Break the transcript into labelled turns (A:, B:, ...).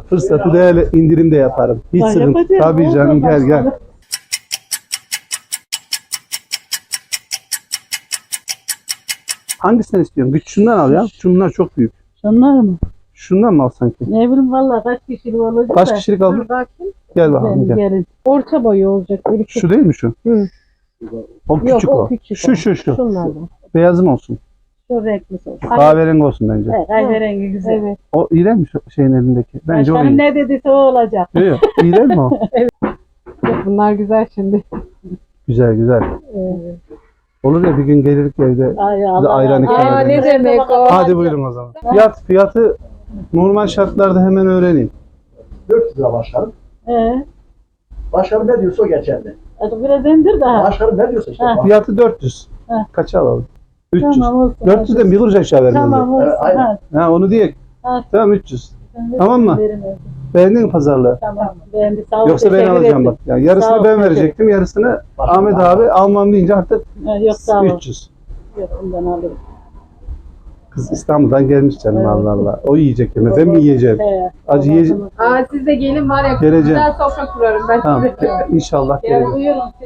A: Fırsatı değerli indirim de yaparım. Hiç
B: Bak,
A: sıkıntı.
B: yapacağım.
A: Tabii canım, gel gel. Hangisinden istiyorsun? Güç şundan al ya. Şunlar çok büyük.
B: Şunlar mı?
A: Şundan mı al sanki?
B: Ne bileyim valla kaç kişilik olacak
A: Kaç
B: da.
A: kişilik aldın?
C: Bakayım.
A: Gel bakalım
B: Benim
A: gel.
B: gelin.
C: Orta boyu olacak. Böyle küçük.
A: Şu değil mi şu?
C: Hı.
A: O
C: Yok,
A: küçük
C: o
A: o.
C: küçük
A: Şu
C: o.
A: şu şu.
C: Şunlardan.
A: Beyazım olsun.
B: Şu renklisi olsun.
A: Kahverengi olsun bence.
B: Evet, kahverengi güzel.
C: Evet.
A: O iyi değil mi şu şeyin elindeki? Bence o
B: Başkanım
A: iyi.
B: ne dediyse o olacak.
A: Yok, yok. İyi değil mi o?
C: Yok, bunlar güzel şimdi.
A: Güzel güzel.
B: Evet.
A: Olur ya bir gün gelirdik evde.
B: Ay Allah.
A: ayran ikram
C: Aa,
A: edelim.
C: ne demek o?
A: Hadi buyurun o zaman. Fiyatı normal şartlarda hemen öğreneyim.
D: 400 lira başkanım. Başkanım ne diyorsa o geçerli.
B: Hadi biraz indir daha.
D: Başkanım ne diyorsa işte.
B: Ha.
A: Fiyatı 400.
B: Heh.
A: Kaça alalım? 300.
B: Tamam olsun.
A: 400'den bir kuruş aşağı vermem.
B: Tamam olsun.
D: Aynen.
B: Ha,
A: Ha onu diye.
B: ha.
A: Tamam 300.
B: Sen de
A: Tamam mı?
B: verin öyle.
A: Beğendin mi pazarlığı?
B: Tamam. Beğendi. Sağ ol.
A: Yoksa ben
B: teşekkür
A: alacağım
B: ederim.
A: bak. Yani yarısını
B: Sağ ol,
A: ben
B: teşekkür
A: verecektim, yarısını
D: Başkanım,
A: Ahmet abi almam deyince artık
B: Ha, yok sağ ol.
A: 300.
B: Yok bundan alırım.
A: Kız İstanbul'dan gelmiş canım
B: Evet.
A: Allah Allah. O yiyecek yemez. Ben mi yiyeceğim?
B: He.
A: Acı yiyeceğim.
C: Aa, siz de gelin var ya.
A: Geleceğim.
C: Güzel sofra kurarım ben
A: Tamam.
C: size.
A: İnşallah
B: Gel
A: geleceğim.
B: buyurun.